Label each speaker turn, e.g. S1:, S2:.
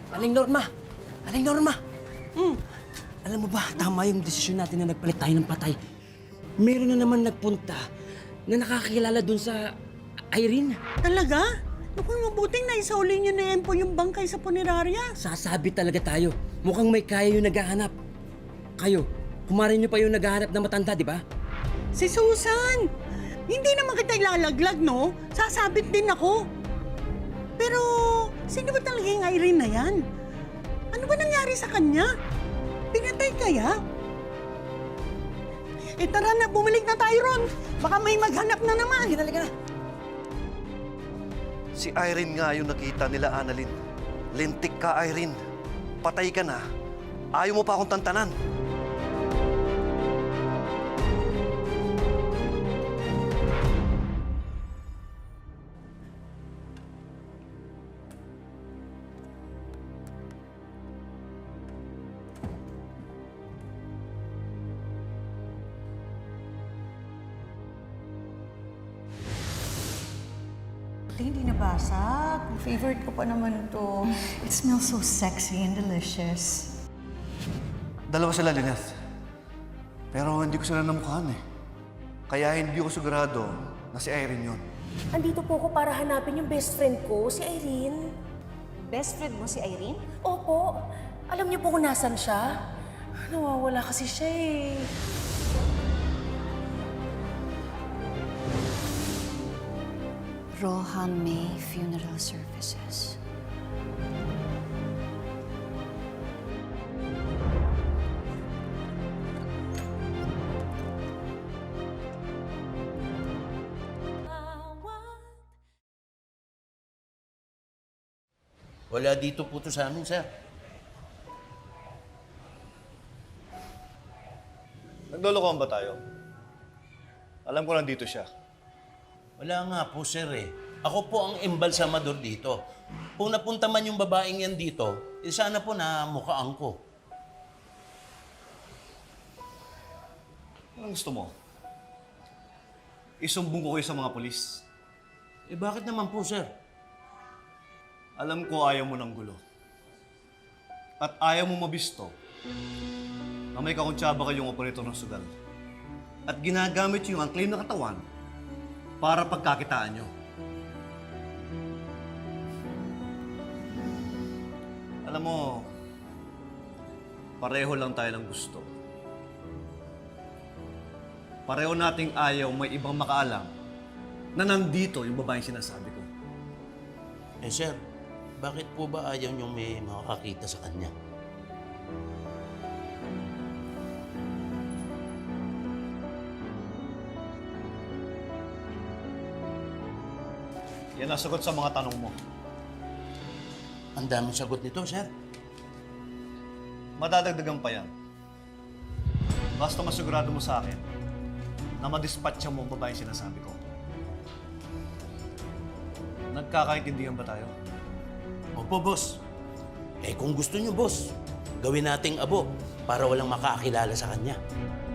S1: Aling Norma! Aling Norma! Alam mo ba, tama yung desisyon natin na nagpalit tayo ng patay. Meron na naman nagpunta na nakakilala dun sa Irene.
S2: Talaga? Naku, mabuting na isauli niyo na Empo yung bangkay sa punerarya.
S1: Sasabi talaga tayo. Mukhang may kaya yung naghahanap. Kayo, kumarin niyo pa yung naghahanap na matanda, di ba?
S2: Si Susan! Hindi naman kita ilalaglag, no? Sasabit din ako. Pero, sino ba talaga yung Irene na yan? Ano ba nangyari sa kanya? Pinatay kaya? Tara na, bumalik na tayo ron. Baka may maghanap na naman.
S1: Halika na.
S3: Si Irene nga yung nakita nila, Annalyn. Lintik ka, Irene. Patay ka na. Ayaw mo pa akong tantanan.
S4: Hindi nabasag. Favorite ko pa naman to. It smells so sexy and delicious.
S3: Dalawa sila, Lynette. Pero hindi ko sila namukhaan eh. Kaya hindi ko sigurado na si Irene yun.
S5: Andito po ako para hanapin yung best friend ko, si Irene.
S6: Best friend mo si Irene?
S5: Opo. Alam niyo po kung nasan siya? Nawawala kasi siya eh.
S7: Rohan May Funeral Services.
S8: Wala dito po to sa amin, sir.
S3: Naglolokohan ba tayo? Alam ko nandito siya.
S8: Wala nga po, sir eh. Ako po ang embalsamador dito. Kung napunta man yung babaeng yan dito, sana po na mukhaan ko.
S3: Anong gusto mo? Isumbong ko kayo sa mga polis.
S8: Eh bakit naman po, sir?
S3: Alam ko ayaw mo ng gulo. At ayaw mo mabisto na may kakuntsaba kayong operator ng sugal. At ginagamit yung ang claim na katawan para pagkakitaan nyo. Alam mo, pareho lang tayo ng gusto. Pareho nating ayaw may ibang makaalam na nandito yung babaeng sinasabi ko.
S8: Eh, sir, bakit po ba ayaw niyong may makakakita sa kanya?
S3: Yan ang sagot sa mga tanong mo.
S8: Ang daming sagot nito, sir.
S3: Madadagdagan pa yan. Basta masigurado mo sa akin na madispatcha mo ang babaeng sinasabi ko. Nagkakaintindihan ba tayo?
S8: Opo, boss. Eh kung gusto niyo, boss, gawin nating abo para walang makakilala sa kanya.